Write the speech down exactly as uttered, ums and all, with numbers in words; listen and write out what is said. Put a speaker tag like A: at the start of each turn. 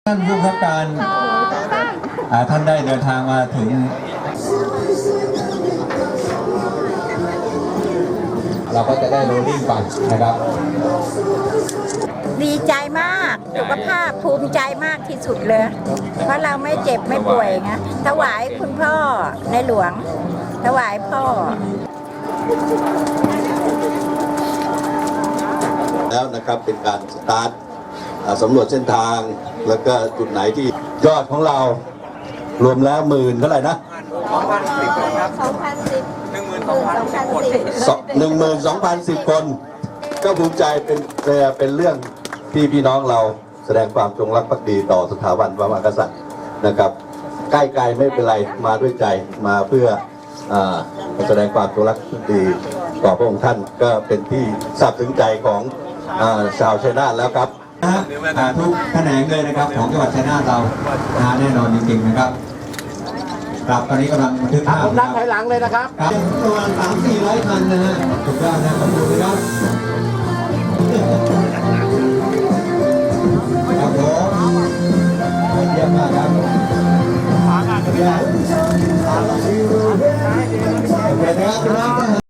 A: ท่านผู้บังคับการท่านได้เดินทางมาถึงเราก็จะได้โรลลิ่งไปนะครับ
B: ดีใจมากสุขภาพภูมิใจมากที่สุดเลยเพราะเราไม่เจ็บไม่ป่วยไงถวายคุณพ่อในหลวงถวายพ่อ
C: แล้วนะครับเป็นการสตาร์ทสำรวจเส้นทางแล้วก็จุดไหนที่ยอดของเรารวมแล้วหมื่นเท่าไหร่นะ
B: สองพันสิบสองพันสิบหนึ่งหมื่นสองพันสิบ
C: หนึ่งหมื่นสองพันสิบคนก็ภูมิใจเป็นเป็นเรื่องที่พี่น้องเราแสดงความจงรักภักดีต่อสถาบันพระมหากษัตริย์นะครับใกล้ไกลไม่เป็นไรมาด้วยใจมาเพื่อแสดงความจงรักภักดีต่อพระองค์ท่านก็เป็นที่ซาบซึ้งใจของชาวชัยนาทแล้วครับ
A: ทุกแขนงเลยนะครับของจังหวัดชัยนาทเราแน่นอนจริงๆนะครับครับตอนนี้กำลังบันทึกภาพ
D: ผมนับถอยหลังเลยนะครับ
A: ครับประมาณสามสี่ร้อยคันนะฮะถูกต้องนะขอบคุณนะครับครับผมเยี่ยมมากครับเยี่ยมโอเคนะครับ